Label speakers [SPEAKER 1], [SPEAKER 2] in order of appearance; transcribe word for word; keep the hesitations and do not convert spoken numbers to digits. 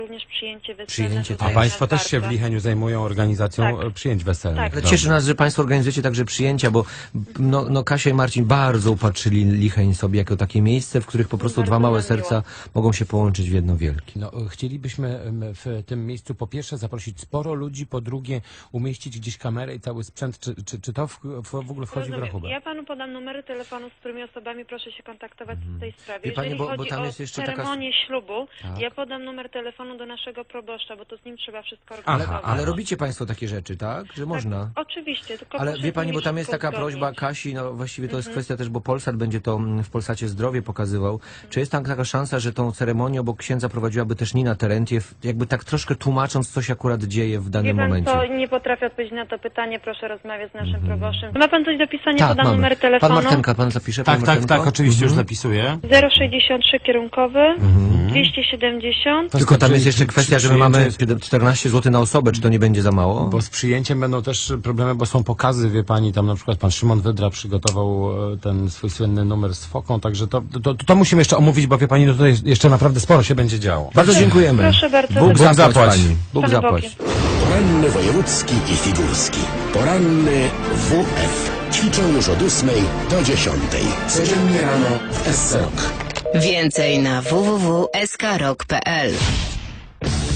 [SPEAKER 1] Również przyjęcie weselne.
[SPEAKER 2] Przyjęcie,
[SPEAKER 1] tutaj
[SPEAKER 2] tak.
[SPEAKER 3] A państwo
[SPEAKER 1] nas
[SPEAKER 3] też się w
[SPEAKER 1] bardzo.
[SPEAKER 3] Licheniu zajmują organizacją
[SPEAKER 1] Tak.
[SPEAKER 3] przyjęć weselnych.
[SPEAKER 1] Tak.
[SPEAKER 2] Ale
[SPEAKER 3] Dobrze.
[SPEAKER 2] cieszy nas, że państwo organizujecie także przyjęcia, bo no, no Kasia i Marcin bardzo upatrzyli Licheń sobie jako takie miejsce, w których po prostu
[SPEAKER 1] Bardzo
[SPEAKER 2] dwa małe
[SPEAKER 1] nam
[SPEAKER 2] serca
[SPEAKER 1] miło.
[SPEAKER 2] mogą się połączyć w jedno wielkie.
[SPEAKER 3] No, chcielibyśmy em, w tym miejscu po pierwsze zaprosić sporo ludzi, po drugie umieścić gdzieś kamerę i cały sprzęt. Czy, czy, czy to w, w, w ogóle wchodzi w
[SPEAKER 1] Rozumiem.
[SPEAKER 3] rachubę?
[SPEAKER 1] Ja panu podam numery telefonu, z którymi osobami proszę się kontaktować w tej sprawie.
[SPEAKER 2] Wie pani,
[SPEAKER 1] Jeżeli
[SPEAKER 2] bo- bo
[SPEAKER 1] chodzi
[SPEAKER 2] tam
[SPEAKER 1] o
[SPEAKER 2] jest jeszcze taka-
[SPEAKER 1] ceremonię ślubu,
[SPEAKER 3] Tak.
[SPEAKER 1] ja podam numer telefonu do naszego proboszcza, bo to z nim trzeba wszystko
[SPEAKER 3] Aha,
[SPEAKER 1] organizować.
[SPEAKER 2] Ale robicie państwo takie rzeczy, tak? Że można?
[SPEAKER 1] Tak, oczywiście, tylko
[SPEAKER 2] Ale
[SPEAKER 1] proszę
[SPEAKER 2] wie
[SPEAKER 1] z
[SPEAKER 2] pani,
[SPEAKER 1] nimi
[SPEAKER 2] bo tam jest
[SPEAKER 1] wszystko
[SPEAKER 2] taka prośba
[SPEAKER 1] uzgodnić.
[SPEAKER 2] Kasi, no właściwie to jest
[SPEAKER 1] Mhm.
[SPEAKER 2] kwestia też, bo Polsat będzie to mm, w Polsacie Zdrowie pokazywał. Czy jest tam taka szansa, że tą ceremonię obok księdza prowadziłaby też Nina Terentiew, jakby tak troszkę tłumacząc, co się akurat dzieje w
[SPEAKER 1] Wie
[SPEAKER 2] danym
[SPEAKER 1] pan
[SPEAKER 2] momencie?
[SPEAKER 1] co, nie potrafię odpowiedzieć na to pytanie, proszę rozmawiać z naszym proboszczem. Ma pan coś do pisania?
[SPEAKER 2] Tak,
[SPEAKER 1] Podam
[SPEAKER 2] mamy.
[SPEAKER 1] numer
[SPEAKER 2] Pan
[SPEAKER 1] telefonu.
[SPEAKER 2] Martenka, pan zapisze?
[SPEAKER 3] Tak,
[SPEAKER 2] pan
[SPEAKER 3] tak,
[SPEAKER 2] Martenko?
[SPEAKER 3] tak, oczywiście już
[SPEAKER 2] Mhm.
[SPEAKER 3] zapisuję.
[SPEAKER 1] zero sześćdziesiąt trzy kierunkowy, dwieście siedemdziesiąt.
[SPEAKER 2] Tylko tam jest
[SPEAKER 3] Czy-
[SPEAKER 2] jeszcze
[SPEAKER 3] czy-
[SPEAKER 2] kwestia,
[SPEAKER 3] czy
[SPEAKER 2] że my mamy
[SPEAKER 3] przyjęcie-
[SPEAKER 2] czternaście złotych na osobę, czy to nie będzie za mało?
[SPEAKER 3] Bo z przyjęciem będą też problemy, bo są pokazy, wie pani, tam na przykład pan Szymon Wydra przygotował e, ten swój słynny numer z foką, także to, to, to, to musimy jeszcze omówić, bo wie pani, no tutaj jeszcze naprawdę sporo się będzie działo.
[SPEAKER 2] Bardzo dziękujemy.
[SPEAKER 1] Proszę bardzo.
[SPEAKER 2] Bóg
[SPEAKER 3] Bóg
[SPEAKER 2] zapłać,
[SPEAKER 3] zapłać.
[SPEAKER 2] pani. Bóg
[SPEAKER 1] Panem
[SPEAKER 2] zapłać.
[SPEAKER 1] Bogiem.
[SPEAKER 4] Poranny wojewódzki i figurski. Poranny W F. Ćwiczą już od ósmej do dziesiątej. Codziennie rano w S C R O K.
[SPEAKER 5] Więcej na w w w kropka s k rock kropka p l.